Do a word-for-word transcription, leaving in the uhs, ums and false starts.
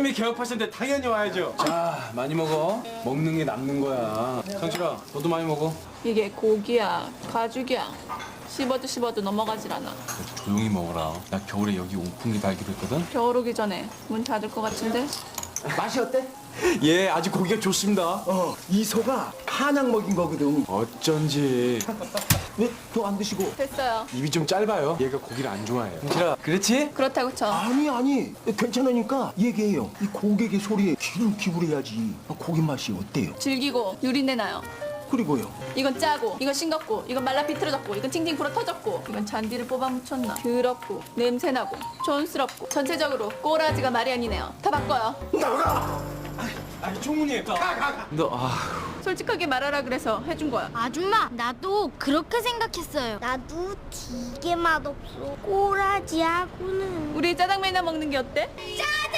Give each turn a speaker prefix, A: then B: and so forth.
A: 형님이 개업하셨는데 당연히 와야죠. 자, 많이 먹어. 먹는 게 남는 거야. 성실아, 너도 많이 먹어.
B: 이게 고기야, 가죽이야. 씹어도 씹어도 넘어가질 않아.
A: 조용히 먹어라. 나 겨울에 여기 오픈기 달기로 했거든.
B: 겨울 오기 전에 문 닫을 것 같은데?
C: 맛이 어때?
A: 예, 아주 고기가 좋습니다.
C: 어, 이 소가 한약 먹인 거거든.
A: 어쩐지
C: 왜 더 안 드시고?
B: 됐어요.
A: 입이 좀 짧아요. 얘가 고기를 안 좋아해요. 성실아, 그렇지?
B: 그렇다고 쳐.
C: 아니 아니 괜찮으니까 얘기해요. 이 고객의 소리에 귀를 기울여야지. 고기 맛이 어때요?
B: 질기고 유린내 나요.
C: 그리고요.
B: 이건 짜고, 이건 싱겁고, 이건 말라 비틀어졌고, 이건 팅팅 불어 터졌고, 이건 잔디를 뽑아 묻혔나. 더럽고, 냄새나고, 촌스럽고, 전체적으로 꼬라지가 말이 아니네요. 다 바꿔요.
A: 아니, 총무님. 너, 아.
B: 솔직하게 말하라 그래서 해준 거야.
D: 아줌마, 나도 그렇게 생각했어요. 나도 되게 맛없어. 꼬라지하고는.
B: 우리 짜장면이나 먹는 게 어때?
D: 짜장!